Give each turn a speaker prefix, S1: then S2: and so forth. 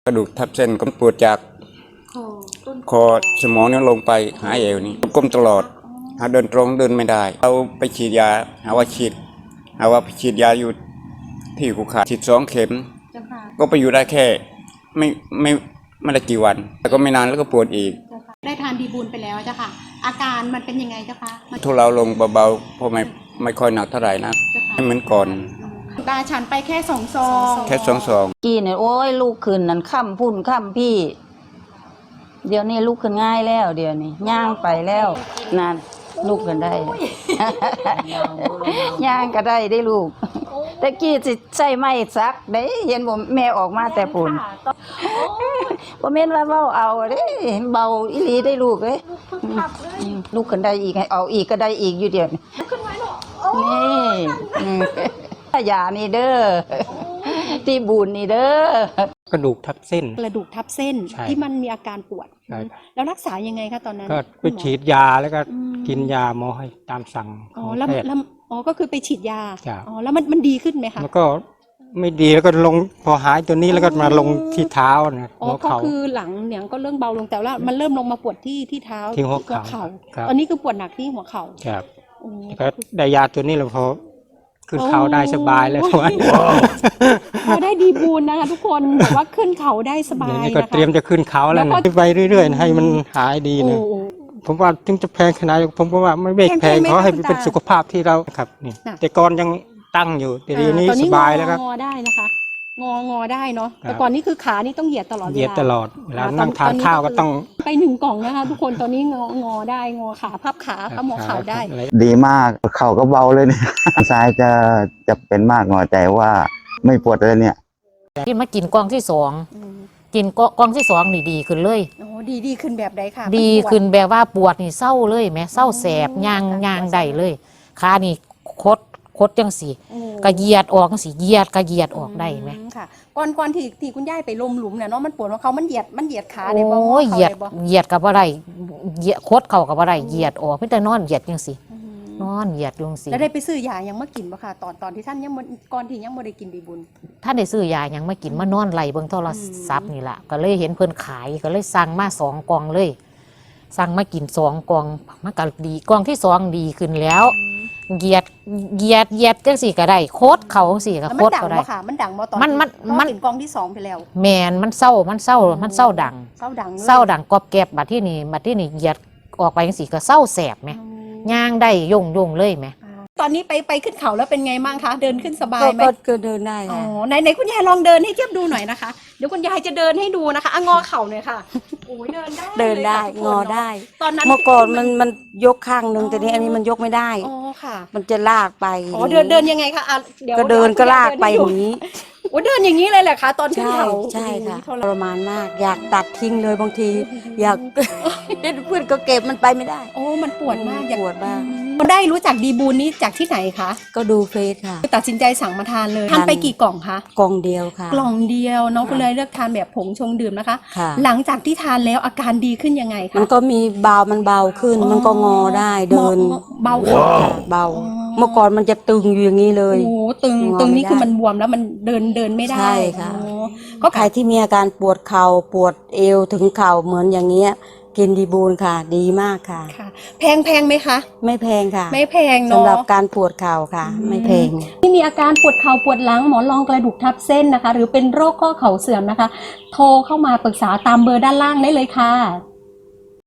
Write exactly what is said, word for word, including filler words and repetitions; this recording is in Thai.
S1: กระดูกทับเส้นก็ปวดจากคอสมองนี่ลงไปหาเอวนี่ก้มตลอดหาเดินตรงเดินไม่ได้เอาไปฉีดยาหาว่าฉีดหาว่าไปฉีดยาอยู่ที่กูขาดฉีดสองเข็มก็ไปอยู่ได้แค่ไม่ไม่ไม่ได้กี่วันแต่ก็ไม่นานแล้วก็ปวดอีก
S2: ได้ทานดีบูลไปแล้วเจ้าค่ะอาการมันเป็นยังไงเจ้าคะ
S1: ทุเลาลงเบาๆเพราะไม่ไม่ค่อยหนักเท่าไหร่นะไม่เหมือนก่อน
S2: ตาฉันไปแค่สองซอง
S1: แค่สองซอง
S3: กี้เนี่ยโอ้ยลูกขึ้นนั่นค่ำพุ่นค่ำพี่เดี๋ยวนี้ลูกขึ้นง่ายแล้วเดี๋ยวนี้ย่างไปแล้วนั่นลูกขึ้นได้ย่างก็ได้ได้ลูกแต่กี้สิใส่ไม้ซักได้เห็นบ่แม่ออกมาแต่ปุ่นบ่แม่นว่าเว้าเอาเด้เบาอีหลีได้ลูกเอ้ยลูกขึ้นได้อีกให้เอาอีกก็ได้อีกอยู่เดี๋ยวนี้นี่ยานี่เด้อที่บุญนี่เด้อก
S4: ระดูกทับเส้น
S2: กระดูกทับเส้นที่มันมีอาการปวดแล้วรักษายังไงคะตอนนั้น
S4: ก็ไปฉีดยาแล้วก็กินยาหมอให้ตามสั่งของแพทย์
S2: อ๋อก็คือไปฉีดยาอ๋อแล้วมันมันดีขึ้นไหมคะ
S4: มันก็ไม่ดีแล้วก็ลงพอหายตัวนี้แล้วก็มาลงที่เท้านะ
S2: อ๋อก็คือหลังเนี่ยก็เริ่มเบาลงแต่ว่ามันเริ่มลงมาปวดที่ที่เท้า
S4: ที่หัวเข่า
S2: ตอนนี้คือปวดหนักที่หัวเข่า
S4: ครับก็ได้ยาตัวนี้แล้วพอขึ้นเขาได้สบายเลยทุกวัน
S2: พอได้ดีบูลนะคะทุกคนบอกว่าขึ้นเขาได้สบาย
S4: นะคะก็เตรียมจะขึ้นเขาแล้วนะไปเรื่อยๆให้มันหายดีนะผมว่าถึงจะแพงขนาดผมก็ว่าไม่เบรกแพงเพราะให้เป็นสุขภาพที่เราครับนี่แต่ก่อนยังตั้งอยู่แต่ทีนี้สบายแล้วครับ
S2: งอได้นะคะงองอได้เนาะแต่ก่อนนี้คือขานี่ต้องเหยียดตลอดเวลา
S4: เหยียดตลอดเวลานั่งทานข้าวก็ต้อง
S2: ไปหนึ่งกล่องนะคะทุกคนตอนนี้งองอได้งอขาพับขาพับหมอเข่าได้
S5: ดีมากเข่าก็เบาเลยเนี่ยซ้ายจะจะเป็นมากหน่อยแต่ว่าไม่ปวดเลยเนี่ย
S6: ที่มากินกล่องที่สองกินกล่องที่สองนี่ดีขึ้นเลย
S2: โอ้ดีดีขึ้นแบบใดค่ะ
S6: ดีขึ้นแบบว่าปวดนี่เศร้าเลยแม่เศร้าแสบยางยางได้เลยขานี่คดคดจังสีกระเยียดออกจังสีเยียดกระเยียดออกได้ไหม
S2: ค่ะก่อนก่อนที่ที่คุณย่ายไปลมหลุมเนี่ยเนาะมันปวดว่าเขามันเหยียดมันเหยียดขา
S6: ได้บ่โอ้ยเหยียดเหยียดกับอะไรเหยียดคดเข่ากับอะไรเหยียดออกไม่แต่นอนเหยียดจังสีนอนเหยียดจังสี
S2: แล้วได้ไปซื้อยายังมากินบ่ค่ะตอนตอนที่ท่านยังก่อนที่ยังไม่ได้กินดีบุญ
S6: ท่านได้ซื้อยายังมากินมานอนไหลเบิ่งโทรศัพท์นี่แหละก็เลยเห็นเพิ่นขายก็เลยสั่งมาสองกล่องเลยสั่งมากินสองกล่องมันก็ดีกล่องที่สองดีขึ้นแล้วเหยียดเหยียดเหยียดจังสี่ก็ได้โคตรเขาสี่ก็โคตรก็ได้
S2: มันดังบ่ตอน
S6: มันมันมัน
S2: กล่องที่สองไปแล้ว
S6: แมนมันเศร้ามันเศร้ามันเศร้าดัง
S2: เศร้าดัง
S6: เศร้าดังกรอบแกบบัดที่นี่บัดที่นี่เหยียดออกไปจังสี่ก็เศร้าแสบไหมย่างได้ย่งย่งเลยไหม
S2: ตอนนี้ไปไปขึ้นเขาแล้วเป็นไงบ้างคะเดินขึ้นสบายไหม
S3: ก็เดินได้
S2: อ๋อไหนไหนคุณยายลองเดินให้เทียบดูหน่อยนะคะเดี๋ยวคุณยายจะเดินให้ดูนะคะอ่ะงอเข่าหน่อยค่ะโอ้ยเดินได้
S3: เดินได้งอได้ตอนนั้นเมื่อก่อนมันมันยกข้างนึงแต่นี้อันนี้มันยกไม่ได้
S2: อ๋อค่ะ
S3: มันจะลากไป
S2: อ๋อเดินเดินยังไงคะอ่ะ
S3: เดี๋ยวก็เดินก็ลากไปอย่างนี้
S2: โอ้เดินอย่างนี้เลยแหละคะตอนขึ้นเขา
S3: ใช่ค่ะทรมานมากอยากตัดทิ้งเลยบางทีอยากเพื่อนก็เก็บมันไปไม่ได้
S2: โอ้มันปวดมาก
S3: ปวดมาก
S2: ได้รู้จักดีบูลนี้จากที่ไหนคะ
S3: ก็ดูเฟซค่ะ
S2: ตัดสินใจสั่งมาทานเลยทานไปกี่กล่องคะ
S3: กล่องเดียวค่ะ
S2: กล่องเดียวน้องก็เลยเลือกทานแบบผงชงดื่มนะคะหลังจากที่ทานแล้วอาการดีขึ้นยังไงคะ
S3: มันก็มีเบามันเบาขึ้นมันก็งอได้เดิน
S2: เบาขา
S3: เบาเมื่อก่อนมันจะตึงอยู่อย่างนี้เลย
S2: โอ้ตึงตึงนี่คือมันบวมแล้วมันเดินเดินไม่ได้
S3: ใช่ค่ะก็ใครที่มีอาการปวดเข่าปวดเอวถึงเข่าเหมือนอย่างเงี้ยกินดีบูลค่ะดีมากค่ะ
S2: แพงแพงไหมคะ
S3: ไม่แพงค่ะ
S2: ไม่แพงเนาะ
S3: สำหรับการปวดเข่าค่ะไม่แพง
S2: ที่มีอาการปวดเข่าปวดหลังหมอนรองกระดูกทับเส้นนะคะหรือเป็นโรคข้อเข่าเสื่อมนะคะโทรเข้ามาปรึกษาตามเบอร์ด้านล่างได้เลยค่ะ